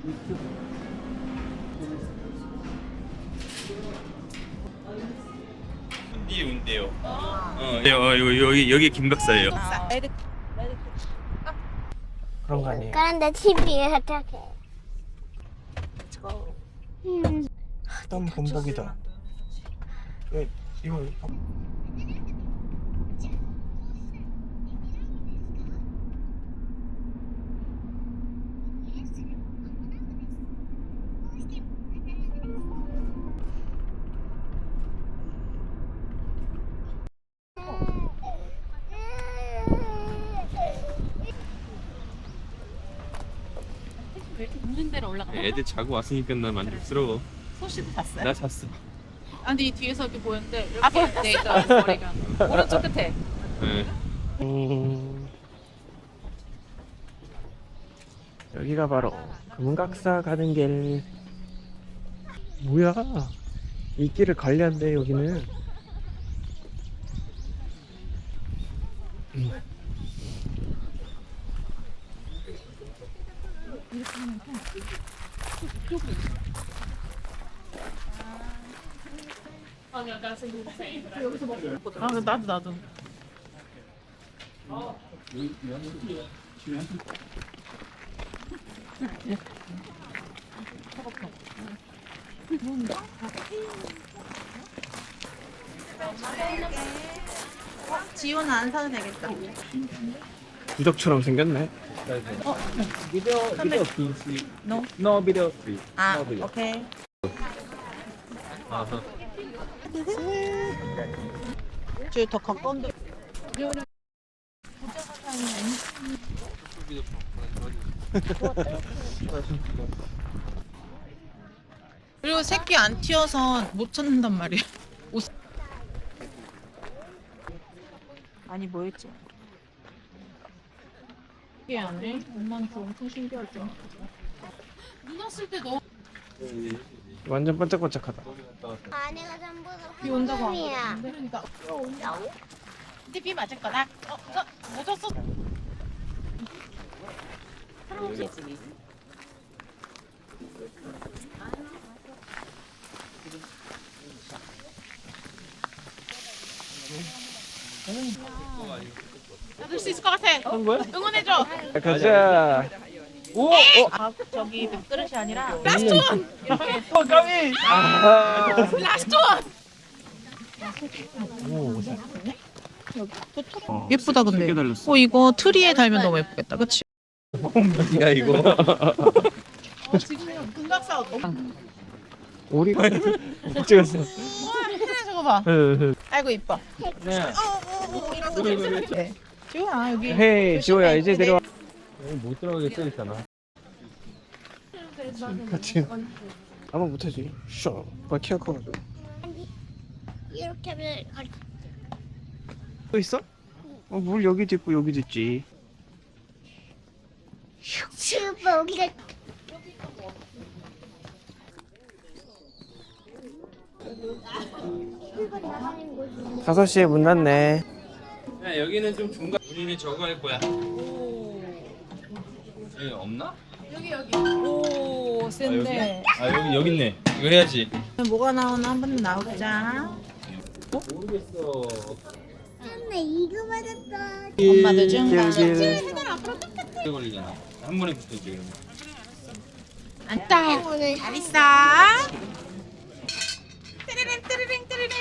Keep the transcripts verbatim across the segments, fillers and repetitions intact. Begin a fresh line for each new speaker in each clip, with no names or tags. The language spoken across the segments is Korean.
운디 운대요. 어, 어, 여기 여기 여기 김 박사예요.
그런 거 아니에요?
그런데 티비에 어떻게? 음.
땀 범벅이다. 왜 이거
있는 데로 올라가.
애들 자고 왔으니까 나 만족스러워.
소시도 잤어요?
나 잤어.
아 근데 이 뒤에서 이렇게 보였는데 이렇게 돼 있더라고 머리가. 오른쪽 끝에.
네.
음... 여기가 바로 금각사 가는 길. 뭐야? 이 길을 관리한대 여기는. 음.
아 나도 나도. 지호는 안 사도 되겠다.
부적처럼 생겼네.
Video, video please.
No?
No video please.
아
No video.
오케이. 저더 가까운데. 그리고 새끼 안 튀어서 못 찾는단 말이야. 옷. 아니 뭐였지? 이게 안 해? 엄마한테 엄청 신기하죠. 눈 왔을 때 너.
완전 반짝반짝하다.
안에가 전부 다
비 온다고 안
황금이야.
그러는데? 그러니까 온다고? 근데 비 맞을 거다. 어, 저 묻었어. 할아버지 집이. 받을 수 있을 것 같아.
한 거야?
응원해줘.
가자.
오, 어, 아 저기 그릇이 아니라 라스트 원. 이렇게.
어, 까미. 아.
라스트 원.
오. 어,
예쁘다 근데.
세개 달렸어.
어 이거 트리에 달면 너무 예쁘겠다. 그치?
야 이거.
어, 지금 금각사
오리가 못 찍었어.
와 해내 저거 봐. 아이고 이뻐.
네.
어어어 이러고 네. 지호야 여기.
헤이 지호야 이제 내려와.
여기 못 들어가게 써 있잖아.
같이. 아마 못하지. 쇼. 뭐 키가 커가지고.
이렇게 하면 갈-
또 있어? 어, 물 여기도 있고 여기도 있지.
슈퍼 우리가
다섯 시에 문 닫네.
야 여기는 좀 중간. 우리는 저거 할 거야. 여기 없나?
오
아,
센데.
여기? 아 여기 여기 있네. 이거 해야지.
뭐가 나오나 한번 나오자.
모르겠어.
엄마 이거 맞았다.
엄마도 좀
길,
봐.
길.
오래 걸리잖아. 한 번에 붙어지 그러면.
안다.
오늘
잘 있어. 띠리링 띠리링 띠리링.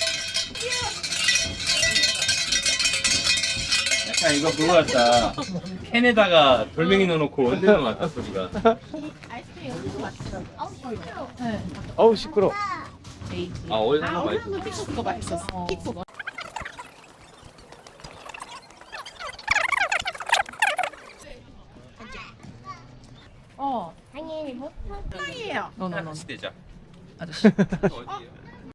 약간 이거 그거 같다. 캔에다가 돌멩이 넣어놓고 흔드는 것 같다 소리가.
네.
어우 시끄러.
아 어디서
아
많이
오늘 피크가 맛있었어. 피크가. 어.
당연히 못
사이에요. 너너너.
같이 되자.
아저씨.
어디?
어